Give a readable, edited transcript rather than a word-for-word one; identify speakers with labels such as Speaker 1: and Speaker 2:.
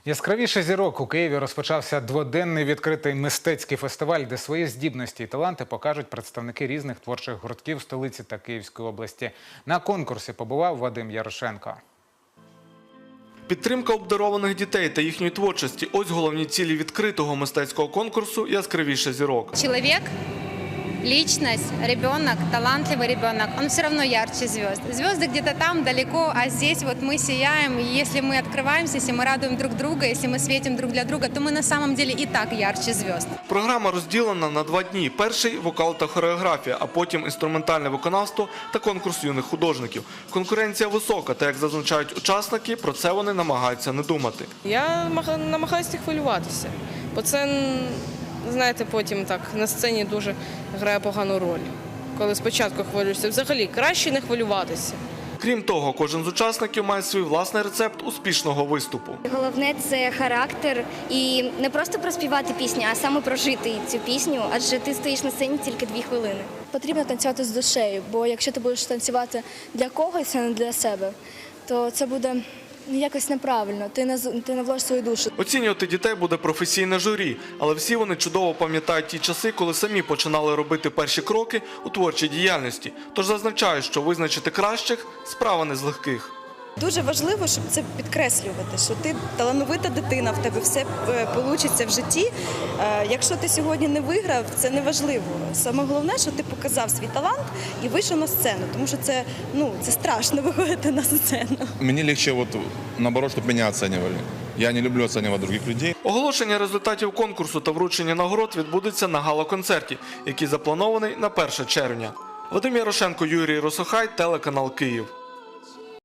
Speaker 1: Яскравіше зірок у Києві розпочався дводенний відкритий мистецький фестиваль, де свої здібності і таланти покажуть представники різних творчих гуртків столиці та Київської області. На конкурсі побував Вадим Ярошенко.
Speaker 2: Підтримка обдарованих дітей та їхньої творчості – ось головні цілі відкритого мистецького конкурсу «Яскравіше зірок».
Speaker 3: Человек, личность, ребенок, талантливый ребенок, он все равно ярче звезд. Звезды где-то там, далеко, а здесь вот мы сияем. И если мы открываемся, если мы радуем друг друга, если мы светим друг для друга, то мы на самом деле и так ярче звезд.
Speaker 2: Програма розділена на 2 дні. Перший – вокал та хореографія, а потім інструментальне виконавство та конкурс юних художників. Конкуренція висока, та, як зазначають учасники, про це вони намагаються не думати.
Speaker 4: Я намагаюся не хвилюватися, бо це, знаєте, потім так на сцені дуже грає погану роль. Коли спочатку хвилюєшся, взагалі краще не хвилюватися.
Speaker 2: Крім того, кожен з учасників має свій власний рецепт успішного виступу.
Speaker 5: Головне – це характер і не просто проспівати пісню, а саме прожити цю пісню, адже ти стоїш на сцені тільки 2 хвилини.
Speaker 6: Потрібно танцювати з душею, бо якщо ти будеш танцювати для когось, а не для себе, то це буде якось неправильно, ти не вложиш свою душу.
Speaker 2: Оцінювати дітей буде професійне журі, але всі вони чудово пам'ятають ті часи, коли самі починали робити перші кроки у творчій діяльності. Тож зазначають, що визначити кращих – справа не з легких.
Speaker 7: Дуже важливо, щоб це підкреслювати, що ти талановита дитина, в тебе все вийде в житті. Якщо ти сьогодні не виграв, це не важливо. Саме головне, що ти показав свій талант і вийшов на сцену, тому що це страшно виходити на сцену.
Speaker 8: Мені легше, наоборот, щоб мене оцінювали. Я не люблю оцінювати інших людей.
Speaker 2: Оголошення результатів конкурсу та вручення нагород відбудеться на гала-концерті, який запланований на 1 червня. Вадим Ярошенко, Юрій Росохай, телеканал «Київ».